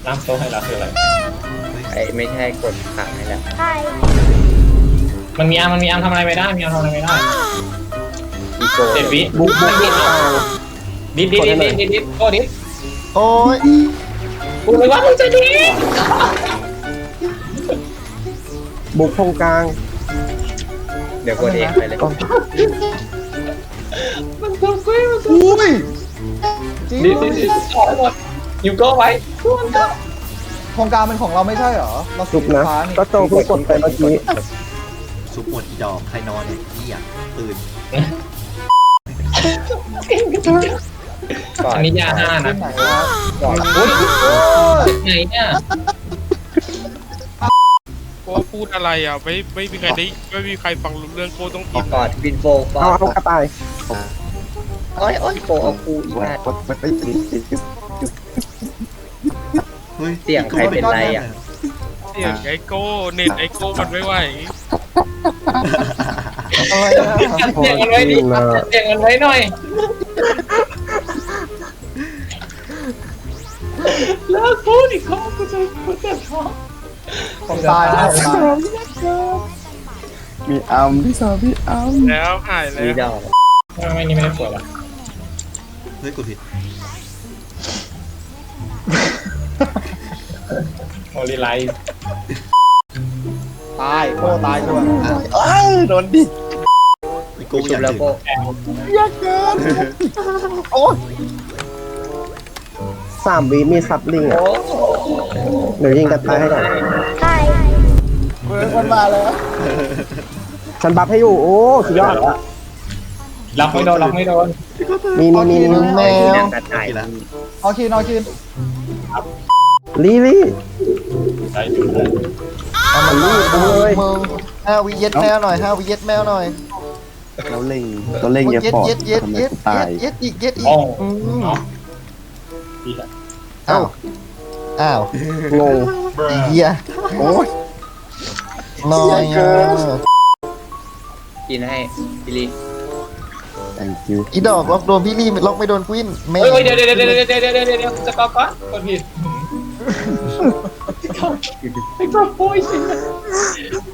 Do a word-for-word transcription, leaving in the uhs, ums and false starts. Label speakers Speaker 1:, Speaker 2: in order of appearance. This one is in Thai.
Speaker 1: ตั้งโต๊ะให้เราคืออะไร
Speaker 2: ไอ้ไม่ใช่กดขังนี่แหละ
Speaker 3: ใช่
Speaker 1: มันมีอาร์มมันมีอาร์มทำอะไรไม่ได้มีอาร์มทำอะไรไม่ได้
Speaker 2: อีโก้
Speaker 1: เจ็ดวิ
Speaker 4: บุกบุก
Speaker 1: ดิดดิดดิดดิดดิดดิดโก้ดิด
Speaker 4: โอ้ย
Speaker 1: กูเลยว่ามึงจะดิด
Speaker 4: บุกตรงกลาง
Speaker 2: เดี๋ยวกดเองไปเลย
Speaker 1: มันตัวกูมันตัว
Speaker 4: อุ้ยจริง
Speaker 1: ดิดดิดดิดถอยหมดอยู่โก้ไว้กูมันก็
Speaker 5: โครงการเป็นของเราไม่ใช่เหรอเราสี
Speaker 4: จุกนะ
Speaker 5: ฟ้านี่
Speaker 4: ก็โจเพิ่งกดไปเมื่อกี้
Speaker 6: ซุปหมดอีดอกใครนอนเนี่ยเหี้ยตื่น
Speaker 2: ก่อน
Speaker 1: อันนี้ยาห้า
Speaker 5: ขึ้
Speaker 1: นะ
Speaker 5: นไหนวะ
Speaker 2: ก่อน
Speaker 1: อุ้ย
Speaker 5: โอ้ย
Speaker 1: ไหนเนี่ย
Speaker 7: โก้พูดอะไรอ่ะไม่ไม่มีใครได้ไม่มีใครฟังรู้เรื่องโก้ต้องกิน
Speaker 2: ก่อนบินโฟฟอ
Speaker 4: เอา
Speaker 2: ร์
Speaker 4: เอากระต่าย
Speaker 2: โอ้ยโอ้ยโฟเอาคูอีกแล้ว
Speaker 6: เฮ้ย
Speaker 2: เสียงใครเป็นไรอ่ะ
Speaker 7: เสียงไอโก้เน็ตไอโก้มันไม่ไหว
Speaker 5: อะไรนะ
Speaker 1: เสียงกันไว้ดิเสียงกันไว้หน่อยเลิกพูดอีกครั้งกูจะกูจะท้อ
Speaker 5: ผมตายนะผมตาย
Speaker 4: มีอัมพี่สาวพี่อัม
Speaker 7: แล้วหายแล้
Speaker 2: มี
Speaker 7: ว
Speaker 2: ดอก
Speaker 1: ไม่นี่ไม่ได้ปวดหรอ
Speaker 6: เฮ้ยกูผิด
Speaker 1: โอลิไลท์
Speaker 5: ตายโค้ตายด้วย
Speaker 4: โดนดิ
Speaker 6: อีโก้
Speaker 2: ชุ
Speaker 6: อบ ยาก
Speaker 2: แล้ว
Speaker 6: ถึง
Speaker 2: โก้
Speaker 4: ยากเกินโอ้ยสามวิมีซับลิงอ่ะเดี๋ยวยิงกระต่ายให้ก่อน
Speaker 3: ใช่
Speaker 5: เฮ้ยมันมาแล้ว
Speaker 4: ฉันบัฟให้อยู่โอ้สุดยอด
Speaker 1: ล็อกไม่โดนล็อกไม่โดน
Speaker 4: มีมีมีมีแมว
Speaker 2: นางกระต่าย
Speaker 5: เอาคินเอาคิน
Speaker 4: ลีลี่
Speaker 1: ใช่ดูเลย
Speaker 4: เอามันรีบเลย
Speaker 8: มึงห้าวิเย็ดแมวหน่อยห้าวิเย็ดแมวหน่อย
Speaker 4: เราเล่งตัวเล่ง
Speaker 8: มึง
Speaker 4: เยอะ
Speaker 8: เย็ด
Speaker 4: ปอด
Speaker 8: เย็ดเย็ด
Speaker 4: ทำไม
Speaker 8: เย็ด
Speaker 4: กูตาย
Speaker 8: เย็ดอีกเย็ดอีก
Speaker 1: โอ้
Speaker 8: อืม
Speaker 1: เนาะดีละ
Speaker 8: อ้าวอ้าว
Speaker 4: งง
Speaker 8: ไอ้เหี้ย
Speaker 4: โอ้ย
Speaker 8: น้อย
Speaker 4: เกิ
Speaker 8: อ่ะ
Speaker 4: น
Speaker 2: กินให้บิลลี่
Speaker 4: thank you
Speaker 8: อีดอกล็อกโดนพี่ลี่ล็อกไม่โดนกวินไม่
Speaker 1: เฮ้ยเดี๋ยวเดี๋ยวเดี๋ยวเดี๋ยวเดี๋ยวเดี๋ยวเดี๋ยวเดี๋ยวจะกอกก่อนกดผิดไอ้กอปุ้ยสิ